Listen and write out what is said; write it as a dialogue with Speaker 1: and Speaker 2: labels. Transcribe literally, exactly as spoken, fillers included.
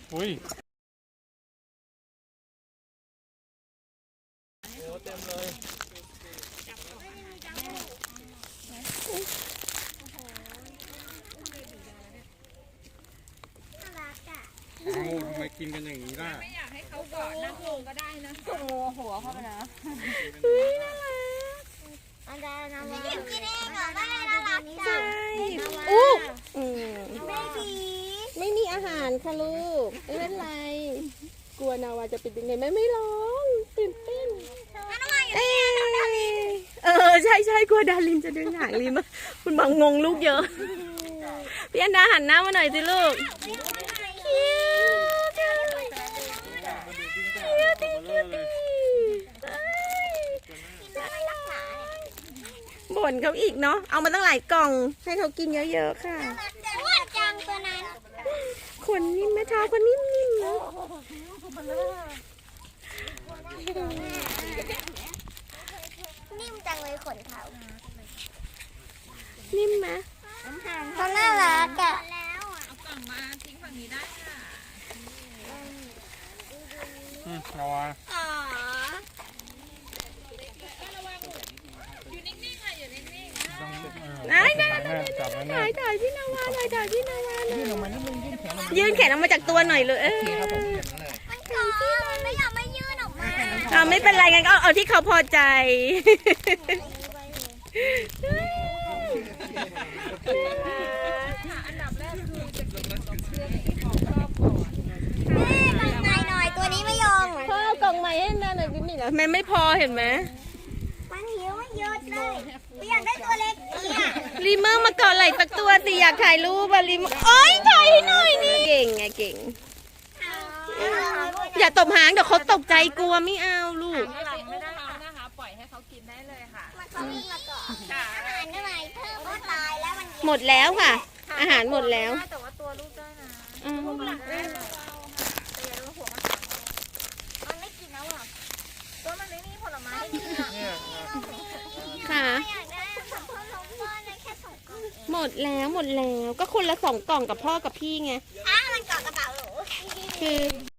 Speaker 1: อุ้ยโอ้เต็มเลยโอ้ทำไมกินกันอย่างนี้ล่ะ
Speaker 2: ไม่อยากให้เขาเกาะนั่งลงก็ได้นะจุ่มหัวเข้าไปนะ
Speaker 3: อันดานาว่ากินเองเหรอว่าน่ารักจัง
Speaker 4: อู้
Speaker 3: ไม่ดี
Speaker 4: ไม่มีอาหารค่ะลูกไม่เป็นไรกลัวนาวาจะเป็นยังไงไม่ไม่ร้องตื่นเต้นเอเออใช่ใช่กลัวดารินจะดึงหางลิมคุณบังงงลูกเยอะพี่อันดาหันหน้ามาหน่อยสิลูกบ่นเขาอีกเนาะเอามาตั้งหลายกล่องให้เขากินเยอะๆค่ะ
Speaker 3: อ้วนจังตัวนั้น
Speaker 4: ขนนิ่มแม่เท้าก็นิ่มๆเนาะ
Speaker 3: นิ่มจังเลยขนเขา
Speaker 4: นิ่มไหม
Speaker 3: เขาน่ารักอ่ะ
Speaker 2: เอากล่องมาทิ้งฝั่งนี้ได้ค่ะ
Speaker 1: อืมนาวา
Speaker 3: อ๋อ
Speaker 2: อยู่นิ่งๆค่ะอยู่นิ่งๆ
Speaker 1: ต้อง
Speaker 4: ไหนไหนไหนถ่ายถ่ายพี่นาวาถ่ายถ่ายพี่นาวาเลยยืนแขนออกมาจากตัวหน่อยเลยเออ
Speaker 3: มันกอมันไม่อยากไม่ยื่นออกมา
Speaker 4: อ่าไม่เป็นไรงั้นก็เอาที่เขาพอใจ
Speaker 2: อันดับแรกคือจะกินของเพื่อนที่ของครอบก่อน
Speaker 3: แม่กล่องใหม่หน่อยตัวนี้ไม่ยอม
Speaker 4: พ่อกล่องใหม่ให้นาหน่อยนี่เหรอแม่ไม่พอเห็นไหม
Speaker 3: มันหิวไม่เยอะเลยอยากได้ตัวเล็กเนี่ย
Speaker 4: รีเมอร์มาเกาะไหล่สักตัวสิอยากถ่ายรูปอะรีเมอร์โอ๊ยถ่ายหน่อยนี่เก่งไงเก่งอย่าตบหางเดี๋ยวเขาตกใจกลัวไม่เอาลูก
Speaker 2: ไม่ได้ไม่ได้เขานะคะปล่อยให้เขากินได้เลยค่ะ
Speaker 3: มันเขาวิ่งมาก่อนอาหารได้ไหมเพิ่มก็ตายแล้วมัน
Speaker 4: หมดแล้วค่ะอาหารหมดแล้ว
Speaker 2: แต่ว่าตัวลูกได้นะ
Speaker 4: ลูกหลักได้
Speaker 2: เบาๆค่ะแต่อย่าโดนหัวมัน
Speaker 3: มันไม่กินแล้วหรอ
Speaker 2: ตัวมันไม่มีผลไม้ให้กินอ่ะ
Speaker 4: ค่ะหมดแล้วหมดแล้วก็คนละสองกล่องกับพ่อกับพี่ไง
Speaker 3: อ้าวมันเกาะกระเป๋าหนู
Speaker 4: คือ